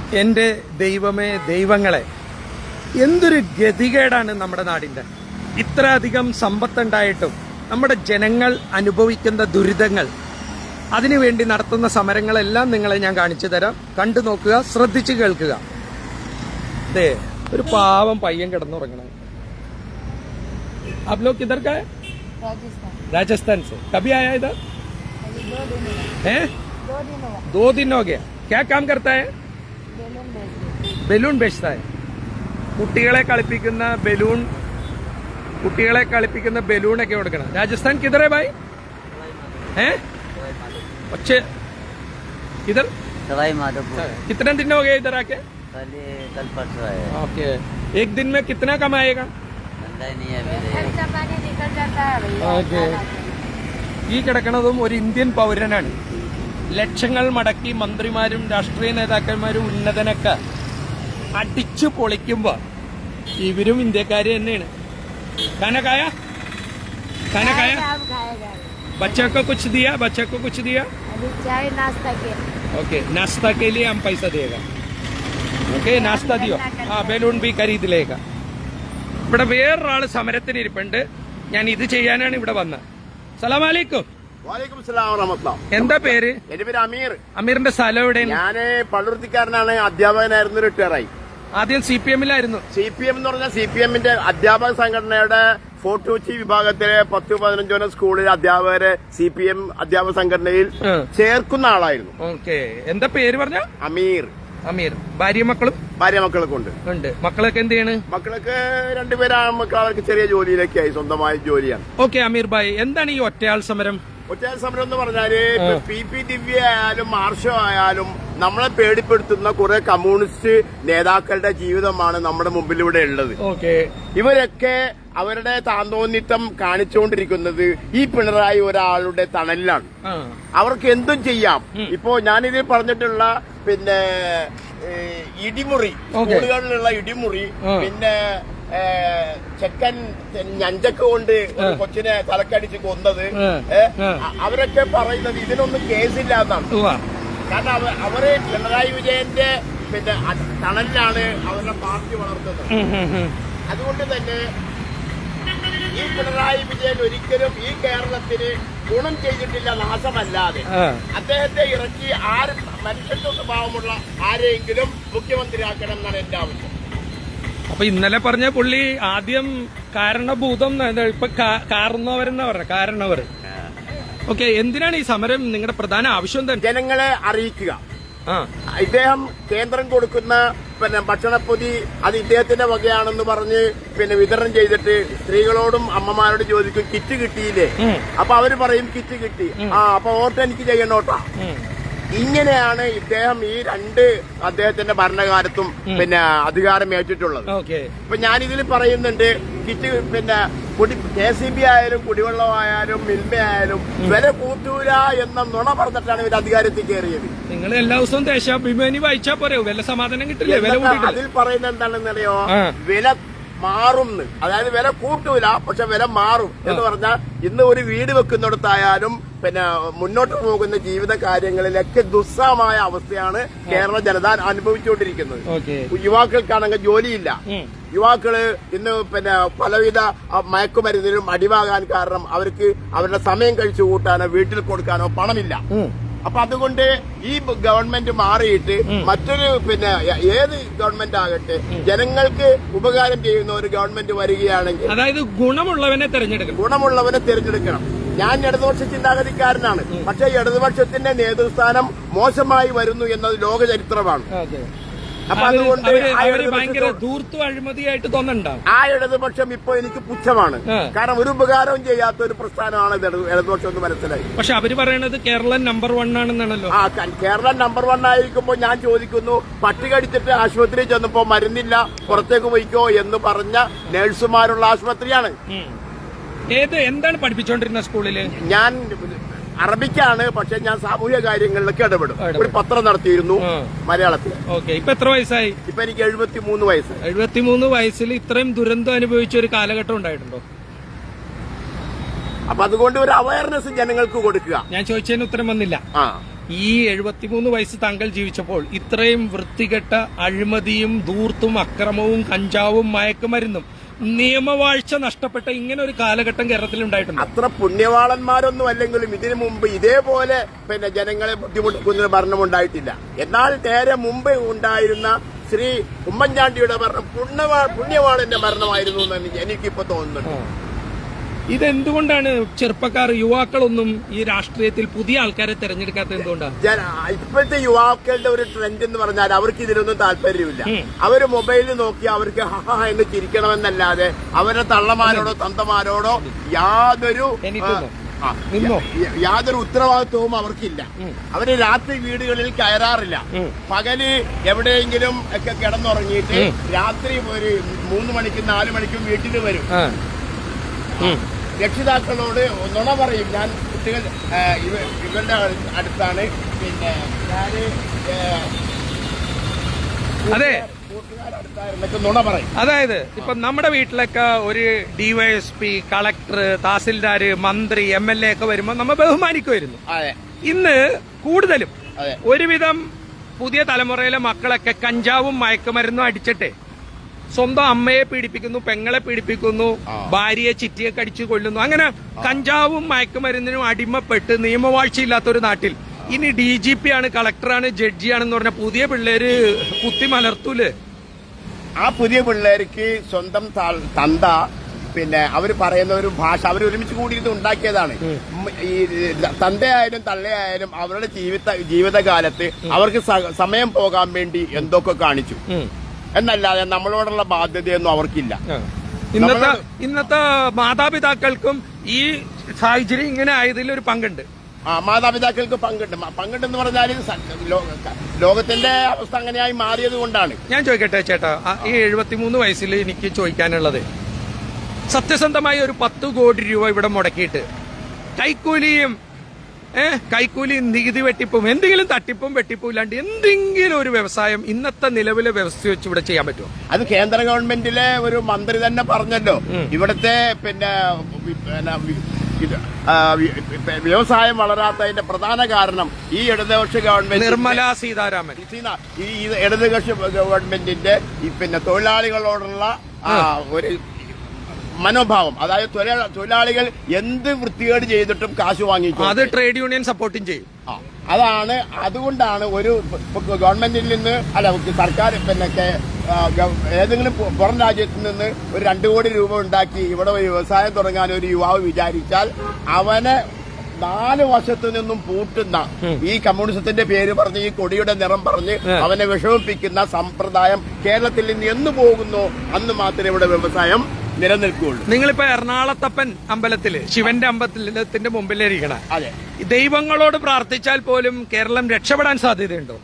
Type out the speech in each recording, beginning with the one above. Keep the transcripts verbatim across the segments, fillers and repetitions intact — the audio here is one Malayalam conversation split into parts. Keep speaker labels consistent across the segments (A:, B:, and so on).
A: എൻ്റെ ദൈവമേ ദൈവങ്ങളെ, എന്തൊരു ഗതികേടാണ് നമ്മുടെ നാടിൻ്റെ. ഇത്രയധികം സമ്പത്തുണ്ടായിട്ടും നമ്മുടെ ജനങ്ങൾ അനുഭവിക്കുന്ന ദുരിതങ്ങൾ, അതിനുവേണ്ടി നടത്തുന്ന സമരങ്ങളെല്ലാം നിങ്ങളെ ഞാൻ കാണിച്ചു തരാം. കണ്ടു നോക്കുക, ശ്രദ്ധിച്ച് കേൾക്കുക. അതെ, ഒരു പാവം പയ്യൻ കിടന്നുറങ്ങണം. आप लोग किधर का है?
B: राजस्थान।
A: राजस्थान से। कभी आया इधर?
B: अभी दो दिन हुआ।
A: हैं?
B: दो दिन हुआ।
A: दो दिन हो गया. क्या काम करता है?
B: बेलून बेचते।
A: ബലൂൺ बेचता है. കുട്ടികളെ കളിപ്പിക്കുന്ന ബലൂൺ കുട്ടികളെ കളിപ്പിക്കുന്ന ബലൂണൊക്കെ കൊടുക്കണം. രാജസ്ഥാൻ കിധർ है भाई? हैं? अच्छे इधर
C: सवाई माधोपुर।
A: कितने दिन हो गए इधर आके?
C: कल कल परसों आए।
A: ओके, एक दिन में कितना कमाएगा?
C: धंधा ही नहीं है मेरे।
B: खर्चा पानी निकल जाता है भैया।
A: ओके. ഈ കിടക്കണതും ഒരു ഇന്ത്യൻ പൗരനാണ്. ലക്ഷങ്ങൾ മടക്കി മന്ത്രിമാരും രാഷ്ട്രീയ നേതാക്കന്മാരും ഉന്നതനൊക്കെ അടിച്ചു പൊളിക്കുമ്പോ ഇവരും ഇന്ത്യക്കാര് തന്നെയാണ്. കനകായ കനകായ
B: अब खाएगा।
A: बच्चे को कुछ दिया बच्चे को कुछ दिया
B: अभी चाय नाश्ता के।
A: ओके, नाश्ता के लिए हम पैसा देगा. ഓക്കെ, നാസ്ത ദിയോ. ആ ബലൂൺ ബി ഖരീദ് ലേക. ഇവിടെ വേറൊരാള് സമരത്തിന് ഇരിപ്പുണ്ട്. ഞാൻ ഇത് ചെയ്യാനാണ് ഇവിടെ വന്നത്. സലാം അലൈക്കും.
D: വാലേക്കും സലാം വറഹ്മത്തുള്ളാഹി.
A: എന്താ പേര്?
D: എന്റെ പേര് അമീർ.
A: അമീറിന്റെ സ്ഥലം എവിടെയാണ്?
D: ഞാന് പള്ളുരുത്തിക്കാരനാണ്, അധ്യാപകനായിരുന്നു, റിട്ടയറായി.
A: ആദ്യം സി പി എമ്മിലായിരുന്നു.
D: സി പി എം എന്ന് പറഞ്ഞാൽ സി പി എമ്മിന്റെ അധ്യാപക സംഘടനയുടെ ഫോർട്ട് കൊച്ചി വിഭാഗത്തിലെ പത്ത് പതിനഞ്ചോളം സ്കൂളിലെ അധ്യാപകരെ സി പി എം അധ്യാപക സംഘടനയിൽ
A: ആ.
D: ചേർക്കുന്ന ആളായിരുന്നു.
A: ഓക്കെ, എന്താ പേര് പറഞ്ഞ?
D: അമീർ.
A: അമീർ. ഭാര്യ മക്കളും
D: ഭാര്യ മക്കളൊക്കെ ഉണ്ട്.
A: ഉണ്ട്. മക്കളൊക്കെ എന്ത് ചെയ്യാണ്?
D: മക്കളൊക്കെ രണ്ടുപേരാണ് മക്കൾ. അവർക്ക് ചെറിയ ജോലിയിലൊക്കെയായി, സ്വന്തമായ ജോലിയാണ്.
A: ഓക്കെ അമീർ ഭായ്, എന്താണ് ഈ ഒറ്റയാൾ സമരം?
D: ഒറ്റയാൾ സമരം എന്ന് പറഞ്ഞാല് പി പി ദിവ്യ ആയാലും മാർഷോ ആയാലും നമ്മളെ പേടിപ്പെടുത്തുന്ന കുറെ കമ്മ്യൂണിസ്റ്റ് നേതാക്കളുടെ ജീവിതമാണ് നമ്മുടെ മുമ്പിലൂടെ ഉള്ളത്.
A: ഓക്കെ,
D: ഇവരൊക്കെ അവരുടെ താന്തോന്നിത്തം കാണിച്ചുകൊണ്ടിരിക്കുന്നത് ഈ പിണറായി ഒരാളുടെ തണലിലാണ്. അവർക്ക് എന്തും ചെയ്യാം. ഇപ്പോ ഞാനിതിൽ പറഞ്ഞിട്ടുള്ള പിന്നെ ഇടിമുറി, സ്കൂളുകളിലുള്ള ഇടിമുറി, പിന്നെ ചെക്കൻ ഞഞ്ചക്ക് കൊണ്ട് ഒരു കൊച്ചിനെ തലക്കടിച്ച് കൊന്നത്, അവരൊക്കെ പറയുന്നത് ഇതിനൊന്നും കേസില്ല എന്നാണ്. കാരണം അവര് പിണറായി വിജയന്റെ പിന്നെ തണലിലാണ് അവരുടെ പാർട്ടി വളർത്തുന്നത്. അതുകൊണ്ട് തന്നെ ഈ പിണറായി വിജയൻ ഒരിക്കലും ഈ കേരളത്തിന് ഗുണം ചെയ്തിട്ടില്ല, നാശമല്ലാതെ. അദ്ദേഹത്തെ ഇറക്കി ആര് മനുഷ്യത്വ സ്വഭാവമുള്ള ആരെയെങ്കിലും മുഖ്യമന്ത്രിയാക്കണം എന്നാണ് എന്റെ ആവശ്യം.
A: അപ്പൊ ഇന്നലെ പറഞ്ഞ പുള്ളി ആദ്യം കാരണഭൂതം, ഇപ്പൊ കാരണവരെന്നാ പറഞ്ഞ കാരണവർ. ഓക്കെ, എന്തിനാണ് ഈ സമരം? നിങ്ങളുടെ പ്രധാന ആവശ്യം എന്താ?
D: ജനങ്ങളെ അറിയിക്കുക. ഇദ്ദേഹം കേന്ദ്രം കൊടുക്കുന്ന പിന്നെ ഭക്ഷണപ്പൊതി അത് ഇദ്ദേഹത്തിന്റെ വകയാണെന്ന് പറഞ്ഞ് പിന്നെ വിതരണം ചെയ്തിട്ട് സ്ത്രീകളോടും അമ്മമാരോടും ചോദിക്കും കിറ്റ് കിട്ടിയില്ലേ? അപ്പൊ അവര് പറയും കിറ്റ് കിട്ടി. ആ അപ്പൊ വോട്ട് എനിക്ക് ചെയ്യണോട്ടാ. ഇങ്ങനെയാണ് ഇദ്ദേഹം ഈ രണ്ട് അദ്ദേഹത്തിന്റെ ഭരണകാലത്തും പിന്നെ അധികാരം ഏറ്റിട്ടുള്ളത്. ഇപ്പൊ ഞാനിതിൽ പറയുന്നുണ്ട്, കിറ്റ് പിന്നെ കുടി കെ സി ബി ആയാലും കുടിവെള്ളമായാലും മിൽമയായാലും വില കൂട്ടൂല എന്ന നുണ പറഞ്ഞിട്ടാണ് ഇവർ അധികാരത്തിൽ കയറിയത്.
A: നിങ്ങൾ എല്ലാ ദിവസവും ദേശാഭിമാനി വായിച്ചാ പോരെ, വില സമാധാനം കിട്ടില്ലേ?
D: അതിൽ പറയുന്നത് എന്താണെന്നറിയോ? വില മാറും. അതായത് വില കൂട്ടൂല, പക്ഷെ വില മാറും എന്ന് പറഞ്ഞാൽ ഇന്ന് ഒരു വീട് വെക്കുന്നിടത്തായാലും പിന്നെ മുന്നോട്ട് പോകുന്ന ജീവിത കാര്യങ്ങളിലൊക്കെ ദുസ്സഹമായ അവസ്ഥയാണ് കേരള ജനത അനുഭവിച്ചുകൊണ്ടിരിക്കുന്നത്. യുവാക്കൾക്കാണെങ്കിൽ ജോലിയില്ല. യുവാക്കള് ഇന്ന് പിന്നെ പലവിധ മയക്കുമരുന്നിലും അടിവാകാൻ കാരണം അവർക്ക് അവരുടെ സമയം കഴിച്ചു കൂട്ടാനോ വീട്ടിൽ കൊടുക്കാനോ പണമില്ല. അപ്പൊ അതുകൊണ്ട് ഈ ഗവൺമെന്റ് മാറിയിട്ട് മറ്റൊരു പിന്നെ ഏത് ഗവൺമെന്റ് ആകട്ടെ ജനങ്ങൾക്ക് ഉപകാരം ചെയ്യുന്ന ഒരു ഗവൺമെന്റ് വരികയാണെങ്കിൽ,
A: അതായത് ഗുണമുള്ളവനെ തെരഞ്ഞെടുക്കണം
D: ഗുണമുള്ളവനെ തിരഞ്ഞെടുക്കണം. ഞാൻ ഇടതുപക്ഷ ചിന്താഗതിക്കാരനാണ്, പക്ഷേ ഇടതുപക്ഷത്തിന്റെ നേതൃസ്ഥാനം മോശമായി വരുന്നു എന്നത് ലോക ചരിത്രമാണ്. അപ്പൊ അതുകൊണ്ട്
A: ഭയങ്കര ധൂർത്തും അഴിമതിയായിട്ട് തോന്നണ്ടാവും.
D: ആ ഇടതുപക്ഷം ഇപ്പൊ എനിക്ക് പുച്ഛമാണ്. കാരണം ഒരു ഉപകാരവും ചെയ്യാത്ത ഒരു പ്രസ്ഥാനമാണ് ഇടതുപക്ഷം എന്ന് മനസ്സിലായി.
A: പക്ഷെ അവര് പറയണത് കേരളം നമ്പർ വൺ ആണെന്നാണല്ലോ.
D: ആ കേരളം നമ്പർ വൺ ആയിരിക്കുമ്പോ ഞാൻ ചോദിക്കുന്നു, പട്ടി കടിച്ചിട്ട് ആശുപത്രിയിൽ ചെന്നപ്പോ മരുന്നില്ല പുറത്തേക്ക് പോയിക്കോ എന്ന് പറഞ്ഞ നഴ്സുമാരുള്ള ആശുപത്രിയാണ്.
A: ഏത് എന്താണ് പഠിപ്പിച്ചോണ്ടിരുന്ന സ്കൂളില്?
D: ഞാൻ അറബിക്കാണ്, പക്ഷെ ഞാൻ സാമൂഹ്യ കാര്യങ്ങളിലൊക്കെ ഇടപെടും. ഒരു പത്രം നടത്തിയിരുന്നു മലയാളത്തിൽ.
A: ഓക്കെ, ഇപ്പൊ എത്ര വയസ്സായി?
D: ഇപ്പൊ എനിക്ക് എഴുപത്തിമൂന്ന് വയസ്സ്.
A: എഴുപത്തിമൂന്ന് വയസ്സിൽ ഇത്രയും ദുരന്തം അനുഭവിച്ച ഒരു കാലഘട്ടം ഉണ്ടായിട്ടുണ്ടോ?
D: അപ്പൊ അതുകൊണ്ട് ഒരു അവയർനെസ് ജനങ്ങൾക്ക് കൊടുക്കുക.
A: ഞാൻ ചോദിച്ചതിന് ഉത്തരം വന്നില്ല.
D: ആ
A: ഈ എഴുപത്തിമൂന്ന് വയസ്സ് താങ്കൾ ജീവിച്ചപ്പോൾ ഇത്രയും വൃത്തികെട്ട അഴിമതിയും ധൂർത്തും അക്രമവും കഞ്ചാവും മയക്കുമരുന്നും നിയമവാഴ്ച നഷ്ടപ്പെട്ട ഇങ്ങനെ ഒരു കാലഘട്ടം കേരളത്തിൽ ഉണ്ടായിട്ടുണ്ട്.
D: അത്ര പുണ്യവാളന്മാരൊന്നും അല്ലെങ്കിലും ഇതിനു മുമ്പ് ഇതേപോലെ പിന്നെ ജനങ്ങളെ ബുദ്ധിമുട്ടിക്കുന്ന ഭരണം ഉണ്ടായിട്ടില്ല. എന്നാൽ നേരെ മുമ്പ് ഉണ്ടായിരുന്ന ശ്രീ ഉമ്മൻചാണ്ടിയുടെ ഭരണം പുണ്യവാ പുണ്യവാളന്റെ ഭരണമായിരുന്നു എന്ന് എനിക്കിപ്പോ തോന്നുന്നുണ്ട്.
A: ഇതെന്തുകൊണ്ടാണ് ചെറുപ്പക്കാർ യുവാക്കളൊന്നും ഈ രാഷ്ട്രീയത്തിൽ പുതിയ ആൾക്കാരെ തെരഞ്ഞെടുക്കാത്തത് എന്തുകൊണ്ടാണ്?
D: ഇപ്പോഴത്തെ യുവാക്കളുടെ ഒരു ട്രെൻഡ് എന്ന് പറഞ്ഞാൽ അവർക്ക് ഇതിലൊന്നും താല്പര്യമില്ല. അവര് മൊബൈലിൽ നോക്കി അവർക്ക് ഹഹ എന്ന് ചിരിക്കണമെന്നല്ലാതെ അവരുടെ തള്ളമാരോടോ തന്തമാരോടോ യാതൊരു യാതൊരു ഉത്തരവാദിത്വവും അവർക്കില്ല. അവര് രാത്രി വീടുകളിൽ കയറാറില്ല. പകല് എവിടെയെങ്കിലും ഒക്കെ കിടന്നുറങ്ങിയിട്ട് രാത്രി ഒരു മൂന്ന് മണിക്കും നാലു മണിക്കും വീട്ടിൽ വരും. രക്ഷിതാക്കളോട് നുണ പറയും. ഞാൻ കുട്ടികൾ ഇവരുടെ അടുത്താണ് പിന്നെ ഞാന്
A: അതെ
D: കൂട്ടുകാരടുത്തായിരുന്നൊക്കെ നുണ പറയും.
A: അതായത് ഇപ്പൊ നമ്മുടെ വീട്ടിലൊക്കെ ഒരു ഡിവൈഎസ്പി, കളക്ടർ, തഹസിൽദാര്, മന്ത്രി, എം എൽ എ ഒക്കെ വരുമ്പോ നമ്മൾ ബഹുമാനിക്കുമായിരുന്നു. ഇന്ന് കൂടുതലും ഒരുവിധം പുതിയ തലമുറയിലെ മക്കളൊക്കെ കഞ്ചാവും മയക്കുമരുന്നും അടിച്ചിട്ടെ സ്വന്തം അമ്മയെ പീഡിപ്പിക്കുന്നു, പെങ്ങളെ പീഡിപ്പിക്കുന്നു, ഭാര്യയെ ചിറ്റിയെ കടിച്ചു കൊല്ലുന്നു. അങ്ങനെ കഞ്ചാവും മയക്കുമരുന്നിനും അടിമപ്പെട്ട് നിയമവാഴ്ചയില്ലാത്ത ഒരു നാട്ടിൽ ഇനി ഡി ജി പി ആണ്, കളക്ടറാണ്, ജഡ്ജിയാണെന്ന് പറഞ്ഞ പുതിയ പിള്ളേര് കുത്തി മലർത്തൂല്.
D: ആ പുതിയ പിള്ളേർക്ക് സ്വന്തം തന്ത പിന്നെ അവർ പറയുന്ന ഒരു ഭാഷ അവർ ഒരുമിച്ച് കൂടിയിട്ട് ഉണ്ടാക്കിയതാണ്. ഈ തന്തയായാലും തള്ളയായാലും അവരുടെ ജീവിത ജീവിതകാലത്ത് അവർക്ക് സമയം പോകാൻ വേണ്ടി എന്തൊക്കെ കാണിച്ചു എന്നല്ലാതെ നമ്മളോടുള്ള ബാധ്യതയൊന്നും അവർക്കില്ല.
A: ഇന്നത്തെ ഇന്നത്തെ മാതാപിതാക്കൾക്കും ഈ സാഹചര്യം ഇങ്ങനെ ആയതിൽ ഒരു പങ്കുണ്ട്.
D: ആ മാതാപിതാക്കൾക്ക് പങ്കുണ്ട്. പങ്കുണ്ടെന്ന് പറഞ്ഞാൽ ലോകത്തിന്റെ അവസ്ഥ അങ്ങനെയായി മാറിയത് കൊണ്ടാണ്.
A: ഞാൻ ചോദിക്കട്ടെ ചേട്ടാ, ഈ എഴുപത്തിമൂന്ന് വയസ്സിൽ എനിക്ക് ചോദിക്കാനുള്ളത്, സത്യസന്ധമായി ഒരു പത്ത് കോടി രൂപ ഇവിടെ മുടക്കിയിട്ട് കൈക്കൂലിയും ഏഹ് കൈക്കൂലി നികുതി വെട്ടിപ്പും എന്തെങ്കിലും തട്ടിപ്പും വെട്ടിപ്പും ഇല്ലാണ്ട് എന്തെങ്കിലും ഒരു വ്യവസായം ഇന്നത്തെ നിലവിലെ വ്യവസ്ഥ വെച്ച് ഇവിടെ ചെയ്യാൻ പറ്റുമോ?
D: അത് കേന്ദ്ര ഗവൺമെന്റിലെ ഒരു മന്ത്രി തന്നെ പറഞ്ഞല്ലോ. ഇവിടുത്തെ പിന്നെ വ്യവസായം വളരാത്തതിന്റെ പ്രധാന കാരണം ഈ ഇടതുപക്ഷ ഗവൺമെന്റ്,
A: നിർമ്മല സീതാരാമൻ,
D: ഈ ഇടതുപക്ഷ ഗവൺമെന്റിന്റെ ഈ പിന്നെ തൊഴിലാളികളോടുള്ള ഒരു മനോഭാവം. അതായത് തൊഴിലാളികൾ എന്ത് വൃത്തികേട് ചെയ്തിട്ടും കാശ് വാങ്ങിക്കും.
A: അത് ട്രേഡ് യൂണിയൻ സപ്പോർട്ടും ചെയ്യും.
D: അതാണ് അതുകൊണ്ടാണ് ഒരു ഗവൺമെന്റിൽ നിന്ന് അല്ല സർക്കാർ പിന്നെ ഏതെങ്കിലും പുറം രാജ്യത്ത് നിന്ന് ഒരു രണ്ടു കോടി രൂപ ഉണ്ടാക്കി ഇവിടെ ഒരു വ്യവസായം തുടങ്ങാൻ ഒരു യുവാവ് വിചാരിച്ചാൽ അവനെ നാല് വശത്തു നിന്നും പൂട്ടുന്ന ഈ കമ്മ്യൂണിസത്തിന്റെ പേര് പറഞ്ഞ് ഈ കൊടിയുടെ നിറം പറഞ്ഞ് അവനെ വിഷമിപ്പിക്കുന്ന സമ്പ്രദായം കേരളത്തിൽ നിന്ന് എന്ന് പോകുന്നു അന്ന് മാത്രമേ ഇവിടെ വ്യവസായം നിലനിൽക്കുകയുള്ളൂ.
A: നിങ്ങളിപ്പോ എറണാകുളത്തപ്പൻ അമ്പലത്തില് ശിവന്റെ അമ്പലത്തിന്റെ മുമ്പിലിരിക്കണം.
D: അതെ,
A: ദൈവങ്ങളോട് പ്രാർത്ഥിച്ചാൽ പോലും കേരളം രക്ഷപ്പെടാൻ സാധ്യതയുണ്ടോ?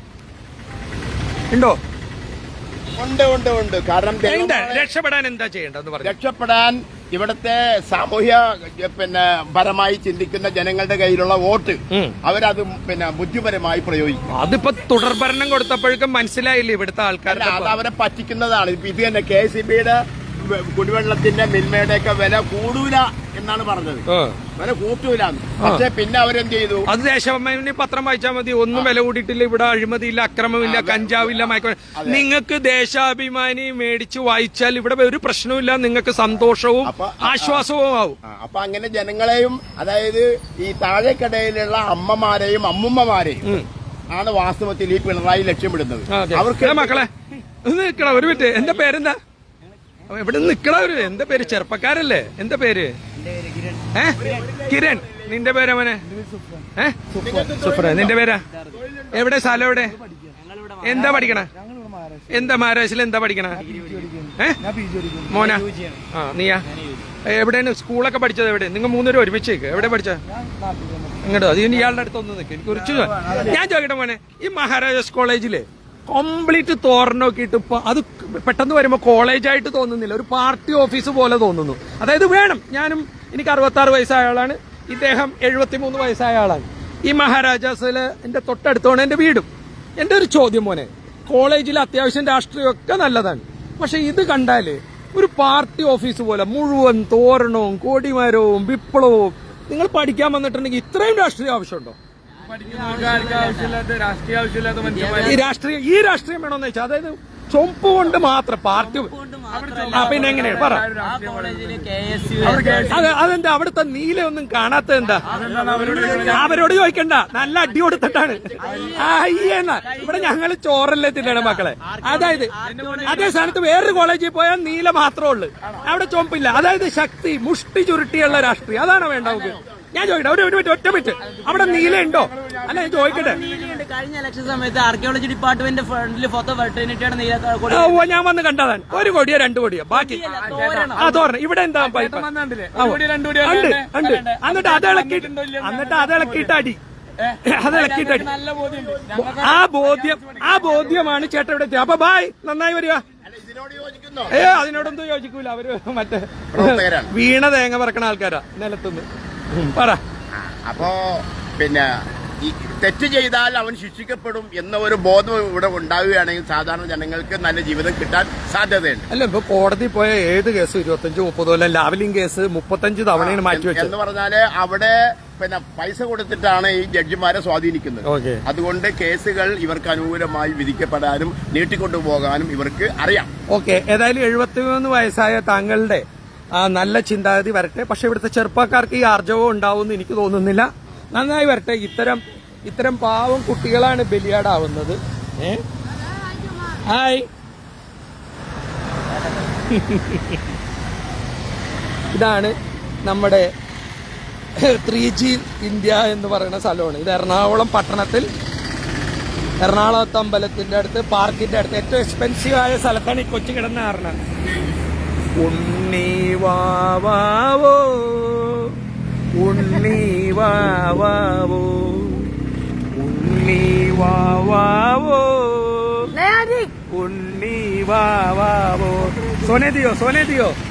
A: ഉണ്ടോ?
D: ഉണ്ട് ഉണ്ട് ഉണ്ട് കാരണം
A: രക്ഷപ്പെടാൻ എന്താ ചെയ്യേണ്ടതെന്ന് പറഞ്ഞു.
D: രക്ഷപ്പെടാൻ ഇവിടുത്തെ സാമൂഹ്യ പിന്നെ പരമായി ചിന്തിക്കുന്ന ജനങ്ങളുടെ കയ്യിലുള്ള വോട്ട് അവരത് പിന്നെ ബുദ്ധിപരമായി പ്രയോഗിക്കും.
A: അതിപ്പോ തുടർഭരണം കൊടുത്തപ്പോഴേക്കും മനസ്സിലായില്ലേ ഇവിടുത്തെ ആൾക്കാർ
D: അത് അവരെ പറ്റിക്കുന്നതാണ്. ഇപ്പൊ ഇത് തന്നെ കെ സി ബിയുടെ കുടിവെള്ളത്തിന്റെ മിൽമയുടെ ഒക്കെ വില കൂടൂല എന്നാണ് പറഞ്ഞത്. വില കൂട്ടൂല. പക്ഷെ പിന്നെ അവരെന്ത് ചെയ്തു?
A: അത് ദേശാഭിമാനി പത്രം വായിച്ചാൽ മതി. ഒന്നും വില കൂട്ടിയിട്ടില്ല, ഇവിടെ അഴിമതിയില്ല, അക്രമമില്ല, കഞ്ചാവില്ല, മയക്ക. നിങ്ങൾക്ക് ദേശാഭിമാനി മേടിച്ച് വായിച്ചാൽ ഇവിടെ ഒരു പ്രശ്നവുമില്ല, നിങ്ങൾക്ക് സന്തോഷവും ആശ്വാസവും ആവും.
D: അപ്പൊ അങ്ങനെ ജനങ്ങളെയും അതായത് ഈ താഴേക്കടയിലുള്ള അമ്മമാരെയും അമ്മുമ്മമാരെയും ആണ് വാസ്തവത്തിൽ ഈ പിണറായി ലക്ഷ്യമിടുന്നത്.
A: അവർക്ക് മക്കളെ നിൽക്കണം ഒരു മിനിറ്റ്. എന്റെ പേരെന്താ? എവിടെ നിക്കണവര്? എന്താ പേര്? ചെറുപ്പക്കാരല്ലേ? എന്താ പേര്? ഏ കിരൺ. നിന്റെ പേരവനെ? ഏ സുഫ്ര. നിന്റെ പേരാ? എവിടെ സ്ഥലം? എവിടെ? എന്താ പഠിക്കണ? എന്താ മഹാരാഷ്ട്രയിൽ എന്താ പഠിക്കണ? ഏ മോന? ആ നീയാ? എവിടെയാണ് സ്കൂളൊക്കെ പഠിച്ചത്? എവിടെ? നിങ്ങൾ മൂന്നുപേരും ഒരുമിച്ചേക്ക് എവിടെ പഠിച്ച? ഇങ്ങോട്ടോ. അത് ഇയാളുടെ അടുത്ത് ഒന്ന് നിൽക്കും. എനിക്ക് കുറിച്ച് ഞാൻ ചോദിക്കട്ടെ മോനെ, ഈ മഹാരാജാസ് കോളേജില് കംപ്ലീറ്റ് തോരണമൊക്കെ ഇട്ട് ഇപ്പൊ അത് പെട്ടെന്ന് വരുമ്പോൾ കോളേജായിട്ട് തോന്നുന്നില്ല, ഒരു പാർട്ടി ഓഫീസ് പോലെ തോന്നുന്നു. അതായത് വേണം. ഞാനും എനിക്ക് അറുപത്തി ആറ് വയസ്സായ ആളാണ്, ഇദ്ദേഹം എഴുപത്തിമൂന്ന് വയസ്സായ ആളാണ്. ഈ മഹാരാജാസില് എന്റെ തൊട്ടടുത്താണ് എന്റെ വീടും. എന്റെ ഒരു ചോദ്യം മോനെ, കോളേജിൽ അത്യാവശ്യം രാഷ്ട്രീയമൊക്കെ നല്ലതാണ്, പക്ഷെ ഇത് കണ്ടാല് ഒരു പാർട്ടി ഓഫീസ് പോലെ മുഴുവൻ തോരണവും കൊടിമരവും വിപ്ലവവും. നിങ്ങൾ പഠിക്കാൻ വന്നിട്ടുണ്ടെങ്കിൽ ഇത്രയും രാഷ്ട്രീയം ആവശ്യമുണ്ടോ?
E: ആവശ്യമില്ലാത്ത രാഷ്ട്രീയ ആവശ്യമില്ലാത്ത മനുഷ്യന്മാർ
A: ഈ രാഷ്ട്രീയം ഈ രാഷ്ട്രീയം വേണമെന്ന് വെച്ചാൽ അതായത് ചൊമ്പ് കൊണ്ട് മാത്രം പാർട്ടി ആ പിന്നെ എങ്ങനെയാണ് പറ
C: ആ കോളേജില് കെ എസ് യു
A: അത് അതെന്താ അവിടുത്തെ നീല ഒന്നും കാണാത്തത് എന്താ അവരോട് ചോദിക്കണ്ട നല്ല അടി കൊടുത്തിട്ടാണ് അയ്യെന്നാ ഇവിടെ ഞങ്ങള് ചോറല്ലേ തിന്നണം മക്കളെ. അതായത് അതേ സ്ഥാനത്ത് വേറൊരു കോളേജിൽ പോയാൽ നീല മാത്രമേ ഉള്ളൂ, അവിടെ ചൊമ്പില്ല. അതായത് ശക്തി മുഷ്ടി ചുരുട്ടിയുള്ള രാഷ്ട്രീയം അതാണോ വേണ്ട നമുക്ക്? ഞാൻ ചോദിക്കട്ടെ ഒരു ഒരു മിനിറ്റ് ഒറ്റ മിനിറ്റ് അവിടെ നീല ഉണ്ടോ? അല്ല ഞാൻ ചോദിക്കട്ടെ.
C: കഴിഞ്ഞ ഇലക്ഷൻ സമയത്ത് ആർക്കിയോളജി ഡിപ്പാർട്ട്മെന്റ് ഫ്രണ്ടിൽ ഫോട്ടോ വെട്ടേനിട്ടാണ് നീല
A: ഓ ഞാൻ വന്ന് കണ്ടതാണ്. ഒരു കോടിയോ രണ്ട് കോടിയോ ബാക്കി ആ തോരണം. ഇവിടെ എന്താ പൈപ്പ് ഉണ്ട് ഉണ്ട്. എന്നിട്ട് അത് ഇളക്കിയിട്ട് എന്നിട്ട് അത് ഇളക്കിയിട്ട് അടി അത് ഇളക്കിയിട്ട് അടി. ആ ബോധ്യം ആ ബോധ്യമാണ് ചേട്ടൻ ഇവിടെ എത്തിയത്. അപ്പൊ ബായ് നന്നായി വരിക.
D: ഇതിനോട് യോജിക്കുന്നോ?
A: ഏ അതിനോടൊന്നും യോജിക്കൂല. അവര് മറ്റേ
D: പ്രവർത്തകരാണ്.
A: വീണ തേങ്ങ പറക്കണ ആൾക്കാരാ നിലത്തുനിന്ന്. പറ.
D: അപ്പോ പിന്നെ ഈ തെറ്റ് ചെയ്താൽ അവൻ ശിക്ഷിക്കപ്പെടും എന്ന ഒരു ബോധം ഇവിടെ ഉണ്ടാവുകയാണെങ്കിൽ സാധാരണ ജനങ്ങൾക്ക് നല്ല ജീവിതം കിട്ടാൻ സാധ്യതയുണ്ട്.
A: അല്ല ഇപ്പൊ കോടതി പോയ ഏത് കേസ് ഇരുപത്തഞ്ച് മുപ്പത് കൊല്ലം ലാവലിംഗ് കേസ് മുപ്പത്തഞ്ച് തവണയാണ് മാറ്റിവെച്ചത്.
D: എന്ന് പറഞ്ഞാല് അവിടെ പിന്നെ പൈസ കൊടുത്തിട്ടാണ് ഈ ജഡ്ജിമാരെ സ്വാധീനിക്കുന്നത്.
A: ഓക്കെ.
D: അതുകൊണ്ട് കേസുകൾ ഇവർക്ക് അനുകൂലമായി വിധിക്കപ്പെടാനും നീട്ടിക്കൊണ്ടുപോകാനും ഇവർക്ക് അറിയാം.
A: ഓക്കെ. ഏതായാലും എഴുപത്തിമൂന്ന് വയസ്സായ താങ്കളുടെ ആ നല്ല ചിന്താഗതി വരട്ടെ. പക്ഷെ ഇവിടുത്തെ ചെറുപ്പക്കാർക്ക് ഈ ആർജവം ഉണ്ടാവുമെന്ന് എനിക്ക് തോന്നുന്നില്ല. നന്നായി വരട്ടെ. ഇത്തരം ഇത്തരം പാവം കുട്ടികളാണ് ബലിയാടാവുന്നത്. ഏ ഹായ് ഇതാണ് നമ്മുടെ ത്രീ ജി ഇന്ത്യ എന്ന് പറയുന്ന സ്ഥലമാണ്. ഇത് എറണാകുളം പട്ടണത്തിൽ എറണാകുളത്ത് അമ്പലത്തിന്റെ അടുത്ത് പാർക്കിന്റെ അടുത്ത് ഏറ്റവും എക്സ്പെൻസീവ് ആയ സ്ഥലത്താണ് ഈ കൊച്ചു കിടന്ന കാരണം. ഉണ്ണി വാവാവോ ഉണ്ണി വാവാവോ ഉണ്ണി വാവാവോ
B: नहीं आदि
A: ഉണ്ണി വാവാവോ. സോനെ ദിയോ സോനെ ദിയോ